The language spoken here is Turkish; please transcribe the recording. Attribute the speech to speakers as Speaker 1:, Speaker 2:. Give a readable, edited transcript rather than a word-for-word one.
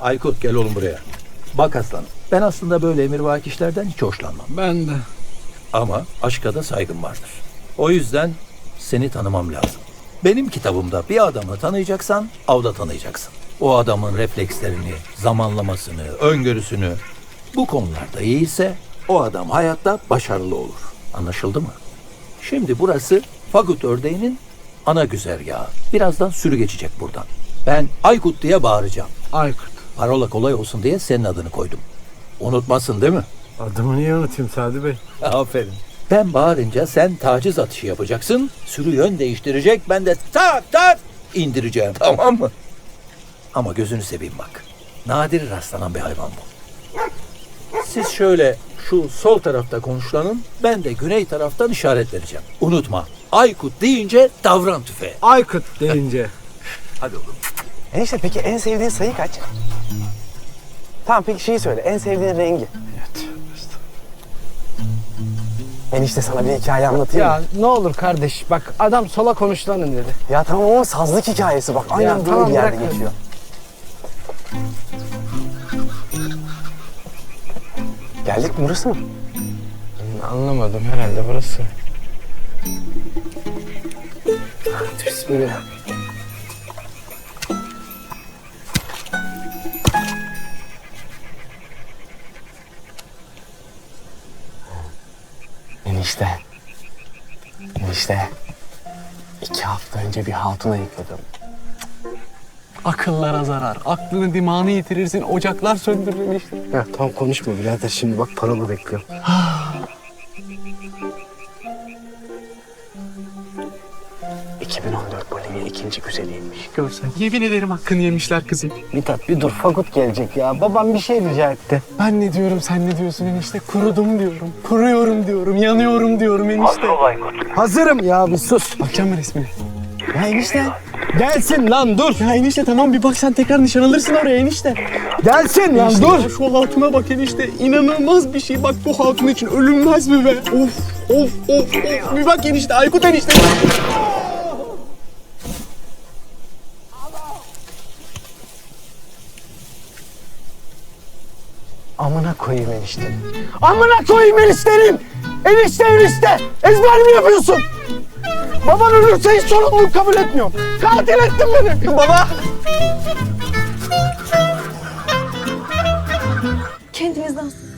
Speaker 1: Aykut gel oğlum buraya. Bak aslanım, ben aslında böyle emirvaki işlerden hiç hoşlanmam.
Speaker 2: Ben de.
Speaker 1: Ama aşka da saygım vardır. O yüzden seni tanımam lazım. Benim kitabımda bir adamı tanıyacaksan avda tanıyacaksın. O adamın reflekslerini, zamanlamasını, öngörüsünü bu konularda iyiyse o adam hayatta başarılı olur. Anlaşıldı mı? Şimdi burası Fagut ördeğinin ana güzergahı. Birazdan sürü geçecek buradan. Ben Aykut diye bağıracağım.
Speaker 2: Aykut.
Speaker 1: Parola kolay olsun diye senin adını koydum. Unutmasın değil mi?
Speaker 2: Adımı niye unutayım Sadi Bey?
Speaker 1: Aferin. Ben bağırınca sen taciz atışı yapacaksın. Sürü yön değiştirecek. Ben de tak tak indireceğim. Tamam mı? Ama gözünü seveyim bak. Nadir rastlanan bir hayvan bu. Siz şöyle şu sol tarafta konuşlanın. Ben de güney taraftan işaret vereceğim. Unutma. Aykut deyince davran tüfeğe.
Speaker 2: Aykut deyince.
Speaker 1: Hadi oğlum.
Speaker 3: Enişte peki en sevdiğin sayı kaç? Tamam peki şeyi söyle. En sevdiğin rengi.
Speaker 2: Evet.
Speaker 3: Enişte sana bir hikaye anlatayım
Speaker 4: Ya
Speaker 3: mı?
Speaker 4: ne olur kardeş bak adam sola konuşlanın dedi.
Speaker 3: Ya tamam ama sazlık hikayesi bak. Aynen böyle
Speaker 4: tamam,
Speaker 3: bir yerde
Speaker 4: bırak.
Speaker 3: geçiyor. Geldik mi, burası mı?
Speaker 4: Anlamadım herhalde burası. Bismillah.
Speaker 3: Enişte. Enişte. 2 hafta önce bir hatuna yıkadım.
Speaker 5: Akıllara zarar. Aklını dimağını yitirirsin. Ocaklar söndürür işte.
Speaker 4: Ya tamam konuşma birader şimdi bak parola bekliyorum.
Speaker 3: ...2014 Bolivya ikinci güzeliymiş.
Speaker 5: Görsen. Yemin ederim hakkını yemişler kızım.
Speaker 4: Mithat bir dur Fagut gelecek ya. Babam bir şey rica etti.
Speaker 5: Ben ne diyorum sen ne diyorsun enişte? Kurudum diyorum. Kuruyorum diyorum. Yanıyorum diyorum enişte.
Speaker 4: Hazırım ya bir sus.
Speaker 5: Bakacağım mı resmine?
Speaker 4: Ya enişte. Gelsin lan dur.
Speaker 5: Ya enişte tamam bir bak sen tekrar nişan alırsın oraya enişte.
Speaker 4: Gelsin lan
Speaker 5: Enişte
Speaker 4: dur.
Speaker 5: ya şu hatuna bak enişte. İnanılmaz bir şey. Bak bu hatun için ölünmez mi be? Of of of of. Bir bak enişte Aykut enişte.
Speaker 4: Amına koyayım enişte. Amına koyayım eniştenin. Enişte enişte. Ezber mi yapıyorsun? Baban ölürse hiç sorumluluk kabul etmiyorum. Katil ettin beni. Baba.
Speaker 6: Kendimizden